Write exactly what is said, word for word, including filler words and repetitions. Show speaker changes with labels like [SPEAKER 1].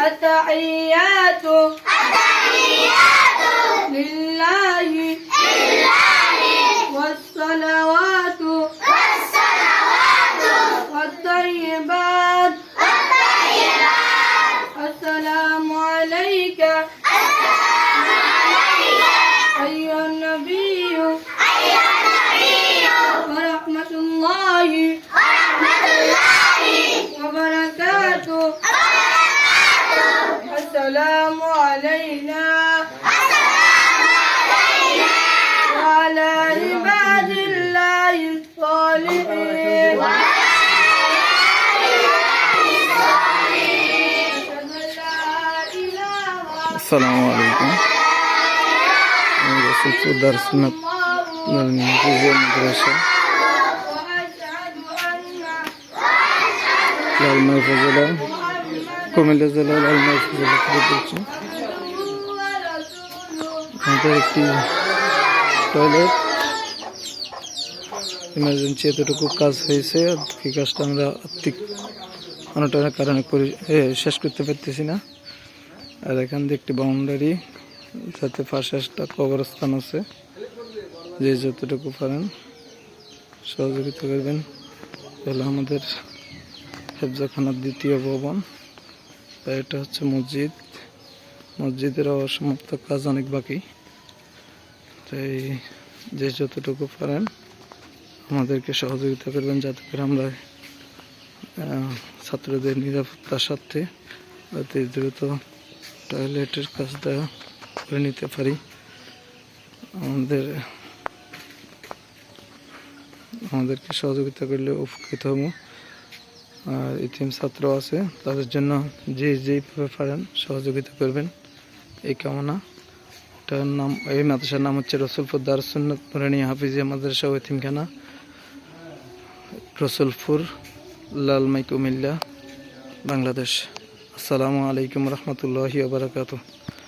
[SPEAKER 1] التحيات لله والصلوات والطيبات السلام عليك أيها النبي ورحمة الله وبركاته السلام علينا وعلى عباد الله الصالحين
[SPEAKER 2] السلام عليكم. رسول درس سنة في المدرسة المحفظة কুমিল্লা জেলার আলমারি জেলা থেকে বলছি। আমাদের একটি টয়লেট ইমার্জেন্সি এতটুকু কাজ হয়েছে, এই কাজটা আমরা আর্থিক অনটনের কারণে করে শেষ করতে পারতেছি না। আর এখান দিয়ে একটি বাউন্ডারি, যাতে পাশে একটা কবরস্থান আছে, যে যতটুকু পারেন সহযোগিতা করবেন। তাহলে আমাদের হেফজাখানার দ্বিতীয় ভবন, এটা হচ্ছে মসজিদ। মসজিদের অসমাপ্ত কাজ অনেক বাকি, তাই যে যতটুকু পারেন আমাদেরকে সহযোগিতা করবেন, যাতে করে আমরা ছাত্রদের নিরাপত্তার সাথে অতি দ্রুত টয়লেটের কাজটা করে নিতে পারি। আমাদের আমাদেরকে সহযোগিতা করলে উপকৃত হব। আর ইতিম ছাত্র আছে, তাদের জন্য যে যেইভাবে পারেন সহযোগিতা করবেন, এই কামনা। এটার নাম, এই মাদ্রাসার নাম হচ্ছে রসুলপুর দারুস সুন্নাত নুরানিয়া হাফিজিয়া মাদ্রাসা ও এতিমখানা, রসুলপুর, লালমাই, কুমিল্লা, বাংলাদেশ। আসসালামু আলাইকুম রহমতুল্লাহি ওয়া বারাকাতুহু।